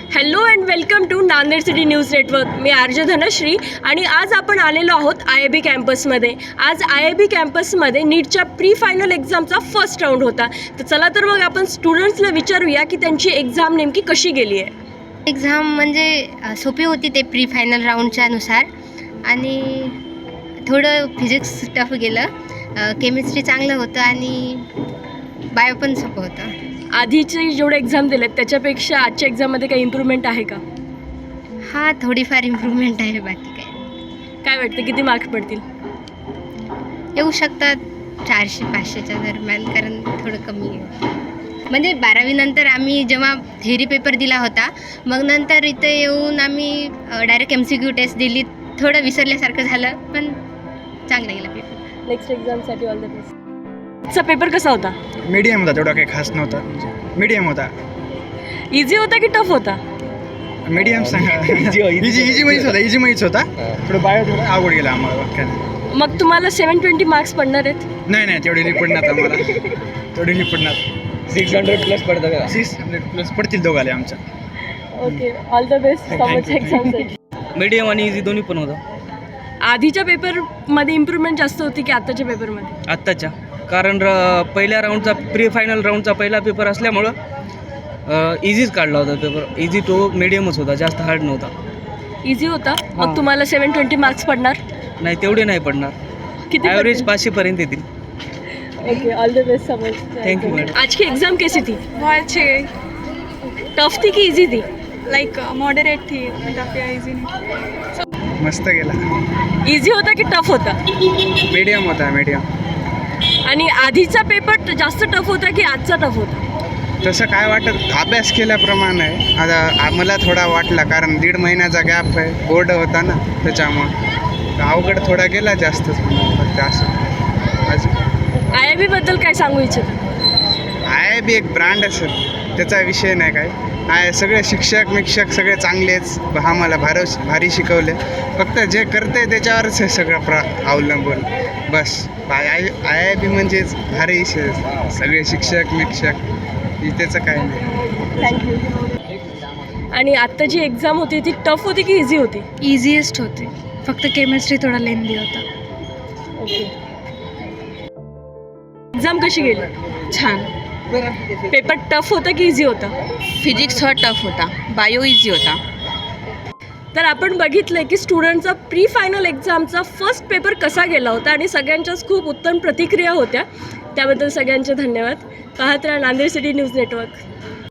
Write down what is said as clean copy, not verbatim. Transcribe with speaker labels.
Speaker 1: Hello and welcome to Nanded city news network. मी RJ Dhanashree आणि आज आपण आलेलो आहोत IIB कॅम्पसमध्ये. आज IIB कॅम्पसमध्ये नीटच्या प्री फायनल एक्झामचा फर्स्ट राऊंड होता. तर चला तर मग आपण स्टुडंट्सला विचारूया की त्यांची एक्झाम नेमकी कशी गेली आहे.
Speaker 2: एक्झाम म्हणजे सोपी होती ते प्री फायनल राऊंडच्या नुसार आणि थोडं फिजिक्स टफ गेलं, केमिस्ट्री चांगलं होतं आणि बायो पण सोपं होतं.
Speaker 1: आधीचे जेवढे एक्झाम दिलेत त्याच्यापेक्षा आजच्या एक्झाममध्ये काही इम्प्रूव्हमेंट आहे का?
Speaker 2: हा, थोडीफार इम्प्रूव्हमेंट आहे, बाकी
Speaker 1: काय वाटतं किती मार्क्स पडतील?
Speaker 2: येऊ शकतात 400-500च्या दरम्यान, कारण थोडं कमी आहे. म्हणजे 12वी नंतर आम्ही जेव्हा थेअरी पेपर दिला होता, मग नंतर इथे येऊन आम्ही डायरेक्ट MCQ टेस्ट दिली. थोडं विसरल्यासारखं झालं, पण चांगला गेला पेपर.
Speaker 1: नेक्स्ट एक्झामसाठी ऑल द बेस्ट. आजचा पेपर कसा होता?
Speaker 3: मीडियम होता, तेवढा काही खास नव्हता. मीडियम होता.
Speaker 1: इझी होता की टफ होता?
Speaker 3: मीडियम सांगा. इझी मैच होता. थोडं बायो थोडं आवड गेला आम्हाला वाक्याने.
Speaker 1: मग तुम्हाला 720 मार्क्स पडणार आहेत?
Speaker 3: नाही तेवढे नाही पडणार आम्हाला. तेवढे नाही पडणार.
Speaker 4: 600+ पडतं का?
Speaker 3: 600+ पडतील दोघाले आमच्या.
Speaker 1: ओके, ऑल द बेस्ट समोरच्या एक्झामसाठी.
Speaker 4: मीडियम आणि इझी दोन्ही पण होतं
Speaker 1: आधीच्या पेपरमध्ये इम्प्रूव्हमेंट जास्त होती की आत्ताच्या पेपरमध्ये?
Speaker 4: आत्ताच्या, कारण पहिल्या राऊंडचा प्री फायनल राऊंडचा पहिला पेपर असल्यामुळं इझीच काढला होता पेपर. इझी टू मीडियमच होता, जास्त हार्ड नव्हता.
Speaker 1: इझी होता. मग
Speaker 4: हां.
Speaker 1: तुम्हाला 720 मार्क्स पडणार?
Speaker 4: नाही, तेवढे नाही पडणार.
Speaker 1: किती
Speaker 4: ॲव्हरेज 500 येतील.
Speaker 1: ओके, ऑल द बेस्ट समझ.
Speaker 4: Thank you, madam.
Speaker 1: आज की एग्जाम कैसी थी?
Speaker 5: बहुत अच्छी गई.
Speaker 1: टफ थी कि इजी थी?
Speaker 5: लाइक मॉडरेट थी, टफ या इजी नहीं.
Speaker 3: मस्त गेला.
Speaker 1: इझी होता की टफ होता?
Speaker 3: मीडियम होता, मीडियम.
Speaker 1: आणि आधीचा पेपर जास्त टफ होता की आजचा टफ होता?
Speaker 3: तसं काय वाटत, अभ्यास केल्याप्रमाणे आहे. आता आम्हाला थोडा वाटला, कारण 1.5 महिन्याचा गॅप आहे, बोर्ड होता ना, त्याच्यामुळं अवघड थोडा गेला जास्तच. फक्त असं अजून
Speaker 1: IIB बद्दल काय सांगू इच्छिता?
Speaker 3: IIB एक ब्रँड असेल, त्याचा विषय नाही काय. सगळे शिक्षक सगळे चांगलेच, आम्हाला भारी शिकवले. फक्त जे करते त्याच्यावरच आहे सगळं अवलंबून. बस IIB म्हणजेच भारी विषय, सगळे शिक्षक त्याचं काय नाही.
Speaker 1: थँक्यू. आणि आत्ता जी एक्झाम होती ती टफ होती की इझी होती?
Speaker 5: इजीएस्ट होते, फक्त केमिस्ट्री थोडा लेंदी होता.
Speaker 1: ओके. एक्झाम कशी गेली?
Speaker 6: छान.
Speaker 1: पेपर टफ होता की इझी होता?
Speaker 6: फिजिक्स हा टफ होता, बायो इझी होता.
Speaker 1: तर आपण बघितलं की स्टुडंटचा प्री फायनल एक्झामचा फर्स्ट पेपर कसा गेला होता आणि सगळ्यांच्याच खूप उत्तम प्रतिक्रिया होत्या. त्याबद्दल सगळ्यांचे धन्यवाद. पाहत राहा नांदेड सिटी न्यूज नेटवर्क.